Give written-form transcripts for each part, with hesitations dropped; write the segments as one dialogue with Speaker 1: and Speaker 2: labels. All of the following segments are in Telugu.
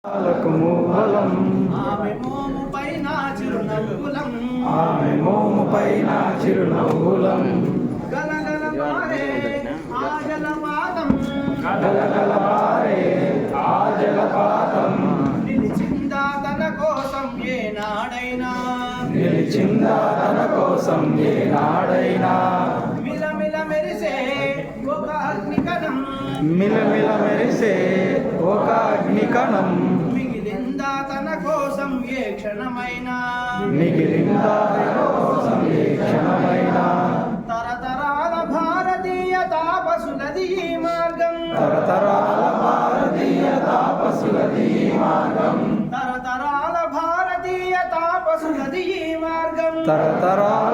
Speaker 1: మూలం
Speaker 2: ఆమె మోముపైన చిరునవ్వులం
Speaker 1: ఆమె మోముపైన చిరునవ్వులం
Speaker 2: గలగల మారే ఆ జలపాతం
Speaker 1: గలగల పారే ఆ జలపాతం
Speaker 2: నిలిచిందా తన కోసం ఏనాడైనా
Speaker 1: నిలిచిందా తన కోసం ఏనాడైనా
Speaker 2: మిలమిల మెరిసే ఒక అగ్నికణం
Speaker 1: మిలమిల మెరిసే ఒక అగ్నికణం
Speaker 2: మిగిలిందా తన కోసం ఏ క్షణమైనా
Speaker 1: మిగిలిందా తన కోసం ఏ క్షణమైనా
Speaker 2: తరతరాల భారతీయ తాపసులది ఈ మార్గం
Speaker 1: తరతరాల భారతీయ తాపసులది ఈ మార్గం
Speaker 2: తరతరాల భారతీయ తాపసులది ఈ మార్గం
Speaker 1: తరతరాల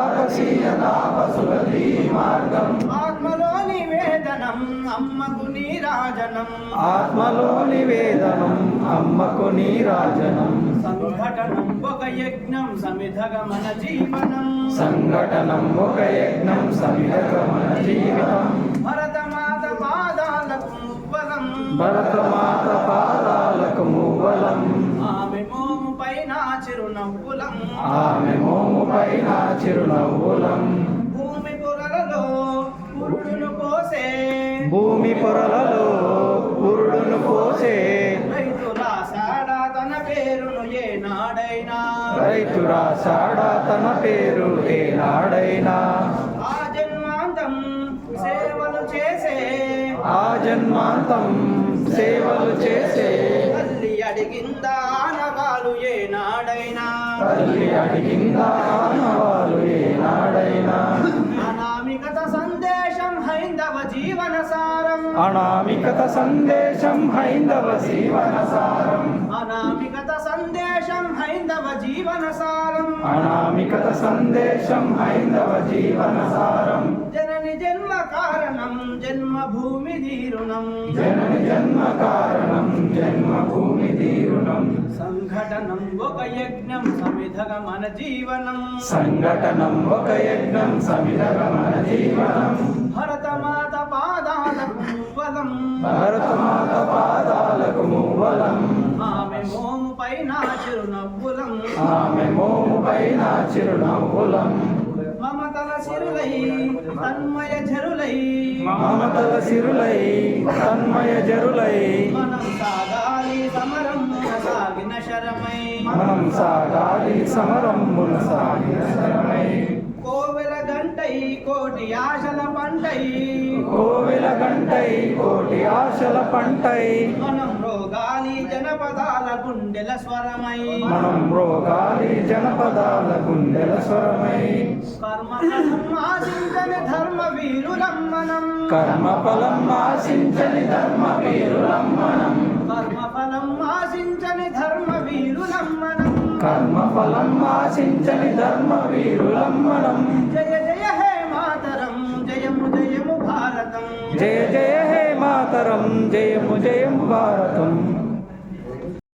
Speaker 1: తాపసులది ఈ మార్గం
Speaker 2: ఆత్మలో నివేదనం అమ్మకు నీరాజనం
Speaker 1: ఆత్మలో నివేదనం అమ్మకు నీరాజనం
Speaker 2: సంఘటనం ఒక యజ్ఞం సమిధగ మన జీవనం
Speaker 1: సంఘటనం ఒక యజ్ఞం సమిధగ మన జీవితం
Speaker 2: భరతమాత పాదాలకు మువ్వలం
Speaker 1: భరతమాత పాదాలకు మూవలం
Speaker 2: ఆమె మోము పైన చిరునవ్వులం
Speaker 1: ఆమె మోముపైన చిరునవ్వులం
Speaker 2: భూమి పొరలలో పురుడును పోసే
Speaker 1: భూమి పొరలలో పురుడును పోసే
Speaker 2: రైతు రాశాడా తన పేరును ఏనాడైనా
Speaker 1: రైతు రాశాడా తన పేరు ఏనాడైనా
Speaker 2: ఆ జన్మాంతం సేవలు చేసే
Speaker 1: ఆ జన్మాంతం సేవలు చేసే
Speaker 2: తల్లి అడిగిందా ఆనవాలు ఏనాడైనా
Speaker 1: తల్లి అడిగిందా ఆనవాలు ఏనాడైనా
Speaker 2: అనామికత సందేశం హైందవ జీవన సారం
Speaker 1: అనామికత సందేశం హైందవ జీవన సారం
Speaker 2: అనామికత సందేశం హైందవ జీవన సారం
Speaker 1: అనామికత సందేశం హైందవ జీవన సారం
Speaker 2: జనని జన్మ కారణం జన్మభూమి దీరుణం
Speaker 1: జనని జన్మ కారణం జన్మభూమి తీరుణం
Speaker 2: సంఘటనం ఒక యజ్ఞం సమిధగ మన జీవనం
Speaker 1: సంఘటనం ఒక యజ్ఞం సమిధగ మన జీవనం
Speaker 2: భరతమాత పాదాలకు మువ్వలం
Speaker 1: భరతమాత పాదాలకు మూవలం
Speaker 2: ఆమె మోము పైన చిరునవ్వులం
Speaker 1: ఆమె మోముపైన చిరునవ్వులం
Speaker 2: మమతల సిరులై తన్మయ జరులై
Speaker 1: మమతల సిరులై తన్మయ జరులై
Speaker 2: మనం సాగాలి సమరం సాగిన శరమై
Speaker 1: మనం సాగాలి సమరమున సాగిన శరమై
Speaker 2: కోవెల గంటై కోటి ఆశల పంటై
Speaker 1: కోవెల గంటై కోటి ఆశల పంటై
Speaker 2: మనం రోగాలి జనపదాల గుండెల స్వరమై
Speaker 1: మనం రోగాలి జనపదాల గుండెల స్వరమై
Speaker 2: కర్మఫలం ఆశించని ధర్మ వీరులం మనం
Speaker 1: కర్మఫలం ఆశించని ధర్మ వీరులం మనం
Speaker 2: కర్మఫలం ఆశించని ధర్మ వీరులం మనం
Speaker 1: కర్మఫలం ఆశించని ధర్మ వీరులం మనం
Speaker 2: జయ జయ హే మాతరం జయము జయము భారతం
Speaker 1: జయ జయ హే మాతరం జయము జయము భారతం